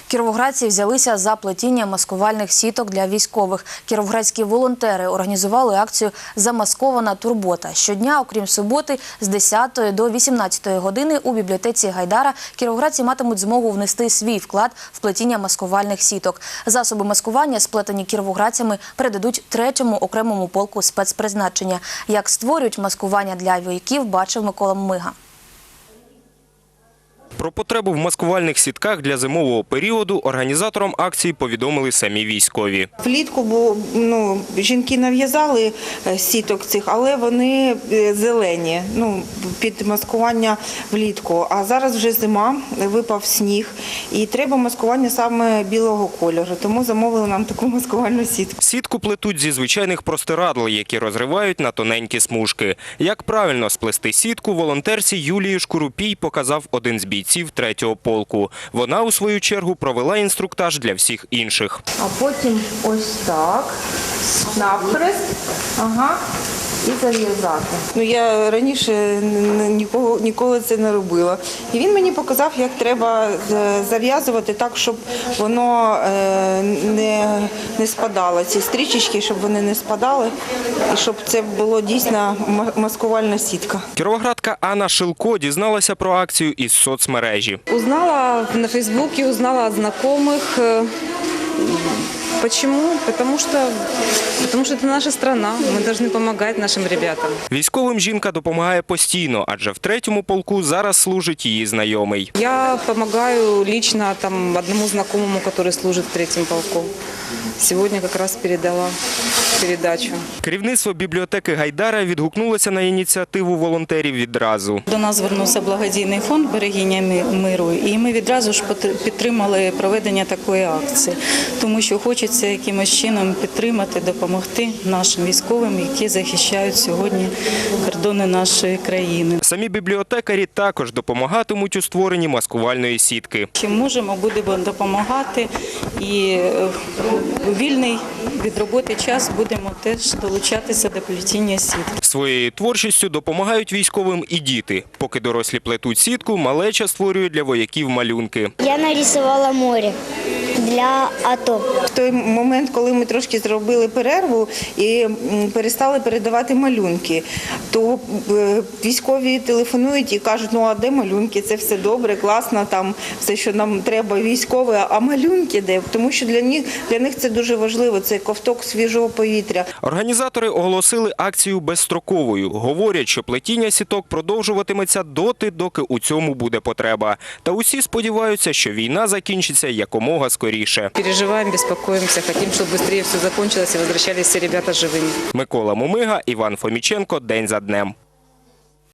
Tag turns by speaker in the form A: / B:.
A: Кіровоградці взялися за плетіння маскувальних сіток для військових. Кіровоградські волонтери організували акцію «Замаскована турбота». Щодня, окрім суботи, з 10 до 18 години у бібліотеці Гайдара кіровоградці матимуть змогу внести свій вклад в плетіння маскувальних сіток. Засоби маскування, сплетені кіровоградцями, передадуть 3-му окремому полку спецпризначення. Як створюють маскування для вояків, бачив Микола Мумига.
B: Про потребу в маскувальних сітках для зимового періоду організаторам акції повідомили самі військові.
C: Влітку жінки нав'язали сіток цих, але вони зелені, під маскування влітку. А зараз вже зима, випав сніг і треба маскування саме білого кольору, тому замовили нам таку маскувальну сітку.
B: Сітку плетуть зі звичайних простирадл, які розривають на тоненькі смужки. Як правильно сплести сітку, волонтерці Юлії Шкурупій показав один з бійців 3-го полку. Вона, у свою чергу, провела інструктаж для всіх інших.
C: А потім ось так, навхрест, і зав'язати. Я раніше ніколи це не робила. І він мені показав, як треба зав'язувати так, щоб воно не спадало. Ці стрічечки, щоб вони не спадали, і щоб це було дійсно маскувальна сітка.
B: Кіровоградка Анна Шилко дізналася про акцію із соцмережі.
D: Узнала на Фейсбуке, узнала от знакомых. Почему? Потому что это наша страна. Мы должны помогать нашим ребятам.
B: Військовим жінка допомагає постійно, адже в 3-му полку зараз служить її знайомий.
D: Я помогаю лично одному знакомому, который служит в 3-м полку. Сегодня как раз передала передачу.
B: Керівництво бібліотеки Гайдара відгукнулося на ініціативу волонтерів відразу.
E: До нас звернувся благодійний фонд «Берегиня миру», і ми відразу ж підтримали проведення такої акції, тому що хочеться якимось чином підтримати, допомогти нашим військовим, які захищають сьогодні кордони нашої країни.
B: Самі бібліотекарі також допомагатимуть у створенні маскувальної сітки.
E: Чим можемо, будемо допомагати, і у вільний від роботи час будемо теж долучатися до плетіння сітки.
B: Своєю творчістю допомагають військовим і діти. Поки дорослі плетуть сітку, малеча створює для вояків малюнки.
F: Я нарисувала море для АТО.
C: В той момент, коли ми трошки зробили перерву і перестали передавати малюнки, то військові телефонують і кажуть, а де малюнки? Це все добре, класно, там все, що нам треба військове, а малюнки де? Тому що для них це дуже важливо, це ковток свіжого повітря.
B: Організатори оголосили акцію безстроковою. Говорять, що плетіння сіток продовжуватиметься доти, доки у цьому буде потреба. Та усі сподіваються, що війна закінчиться якомога скоріше.
D: Переживаем, беспокоимся, хотим, чтобы быстрее все закончилось и возвращались все ребята живыми.
B: Микола Мумига, Іван Фоміченко. День за днем.